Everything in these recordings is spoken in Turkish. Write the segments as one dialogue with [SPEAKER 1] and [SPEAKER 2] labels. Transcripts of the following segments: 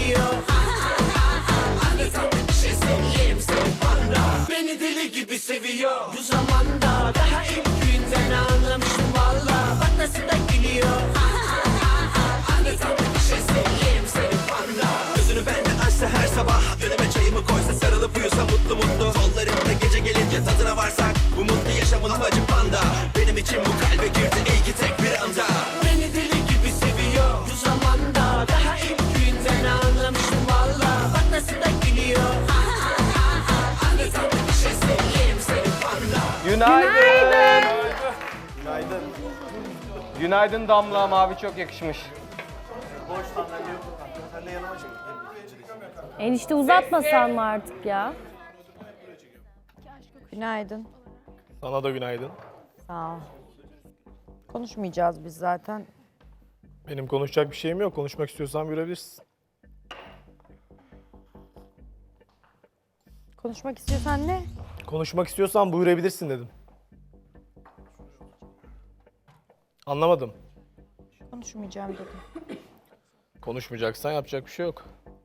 [SPEAKER 1] geliyor. Anlatan bir şey seveyim seni panda. Beni deli gibi seviyor. Bu zamanda daha ilk günden anlamıştım valla. Bak nasıl da gülüyor. Anlatan bir şey seveyim seni panda. Gözünü benden açsa her sabah, önüme çayımı koysa, sarılıp uyusa mutlu mutlu. Kollarımda gece gelince tadına varsak, bu mutlu yaşamın amacı panda. Benim için bu kalbe girdi iyi ki tek bir anda. Beni deli gibi seviyor. Bu zamanda daha ilk günden anlamıştım valla. Bak nasıl da gülüyor. Anlatan bir şey seveyim seni panda.
[SPEAKER 2] Günaydın. Günaydın. Günaydın Damla, mavi çok yakışmış.
[SPEAKER 3] Enişte uzatmasan mı artık ya?
[SPEAKER 4] Günaydın.
[SPEAKER 5] Sana da günaydın.
[SPEAKER 4] Sağ ol. Konuşmayacağız biz zaten.
[SPEAKER 5] Benim konuşacak bir şeyim yok. Konuşmak istiyorsan görebilirsin.
[SPEAKER 4] Konuşmak istiyorsan ne?
[SPEAKER 5] Konuşmak istiyorsan buyurabilirsin dedim. Anlamadım.
[SPEAKER 4] Konuşmayacağım dedim.
[SPEAKER 5] Konuşmayacaksan yapacak bir şey yok.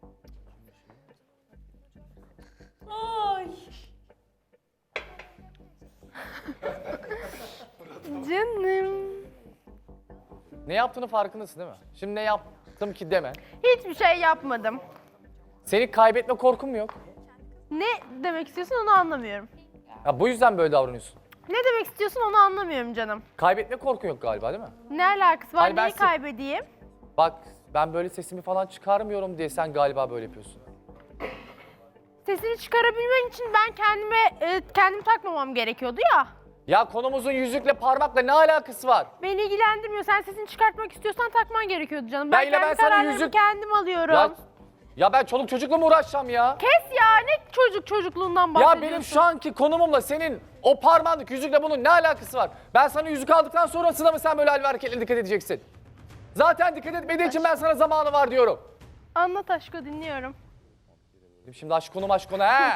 [SPEAKER 6] Canım.
[SPEAKER 2] Ne yaptığını farkındasın değil mi? Şimdi ne yaptım ki deme.
[SPEAKER 6] Hiçbir şey yapmadım.
[SPEAKER 2] Senin kaybetme korkun mu yok?
[SPEAKER 6] Ne demek istiyorsun onu anlamıyorum.
[SPEAKER 2] Ya bu yüzden böyle davranıyorsun.
[SPEAKER 6] Ne demek istiyorsun onu anlamıyorum canım.
[SPEAKER 2] Kaybetme korkun yok galiba değil mi?
[SPEAKER 6] Ne alakası var?
[SPEAKER 2] Hayır, ben
[SPEAKER 6] Neyi kaybedeyim?
[SPEAKER 2] Bak ben böyle sesimi falan çıkarmıyorum diye sen galiba böyle yapıyorsun.
[SPEAKER 6] Sesini çıkarabilmen için ben kendimi takmamam gerekiyordu ya.
[SPEAKER 2] Ya konumuzun yüzükle parmakla ne alakası var?
[SPEAKER 6] Beni ilgilendirmiyor. Sen sesini çıkartmak istiyorsan takman gerekiyordu canım.
[SPEAKER 2] Ya
[SPEAKER 6] Ben
[SPEAKER 2] yine
[SPEAKER 6] kendi
[SPEAKER 2] ben sana
[SPEAKER 6] kararlarımı
[SPEAKER 2] yüzük-
[SPEAKER 6] kendim alıyorum.
[SPEAKER 2] Ya ben çoluk çocukla mı uğraşacağım ya?
[SPEAKER 6] Kes ya, ne çocukluğundan
[SPEAKER 2] Ya
[SPEAKER 6] bahsediyorsun?
[SPEAKER 2] benim şu anki konumumla senin o parmağınlık yüzükle bunun ne alakası var? Ben sana yüzük aldıktan sonrasında mı sen böyle hal ve hareketlere dikkat edeceksin? Zaten dikkat etmediği için ben sana zamanı var diyorum.
[SPEAKER 6] Anlat aşkı, dinliyorum.
[SPEAKER 2] Şimdi aşk konu he.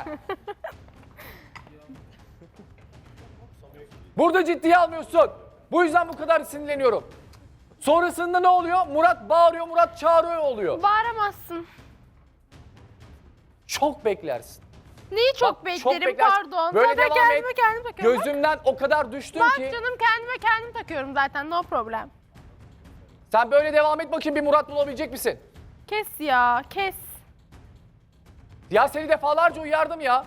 [SPEAKER 2] Burada ciddiye almıyorsun. Bu yüzden bu kadar sinirleniyorum. Sonrasında ne oluyor? Murat bağırıyor, Murat çağırıyor oluyor.
[SPEAKER 6] Bağıramazsın.
[SPEAKER 2] Çok beklersin.
[SPEAKER 6] Neyi çok
[SPEAKER 2] Bak,
[SPEAKER 6] beklerim,
[SPEAKER 2] beklersin.
[SPEAKER 6] pardon.
[SPEAKER 2] Böyle
[SPEAKER 6] Zaten
[SPEAKER 2] devam et.
[SPEAKER 6] kendime kendim takıyorum.
[SPEAKER 2] Gözümden o kadar düştün
[SPEAKER 6] Bak
[SPEAKER 2] ki.
[SPEAKER 6] canım, kendime kendim takıyorum zaten, no problem.
[SPEAKER 2] Sen böyle devam et bakayım, bir Murat bulabilecek misin?
[SPEAKER 6] Kes ya, kes.
[SPEAKER 2] Ya seni defalarca uyardım ya.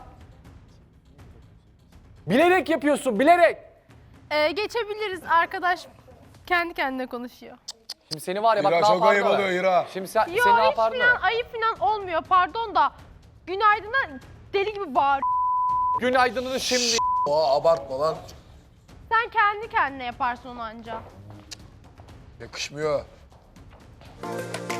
[SPEAKER 2] Bilerek yapıyorsun, bilerek.
[SPEAKER 6] Geçebiliriz, arkadaş kendi kendine konuşuyor.
[SPEAKER 2] Şimdi seni var ya bak
[SPEAKER 7] Hira
[SPEAKER 2] ne
[SPEAKER 7] çok ayıp
[SPEAKER 2] yapardı.
[SPEAKER 7] oluyor Hira.
[SPEAKER 2] Şimdi
[SPEAKER 6] Yo,
[SPEAKER 2] seni ne
[SPEAKER 6] hiç
[SPEAKER 2] yapardı?
[SPEAKER 6] falan ayıp falan olmuyor, pardon da. Günaydın'a deli gibi bağır.
[SPEAKER 2] Günaydın'ını şimdi.
[SPEAKER 7] Abartma lan.
[SPEAKER 6] Sen kendi kendine yaparsın onu anca.
[SPEAKER 7] Yakışmıyor.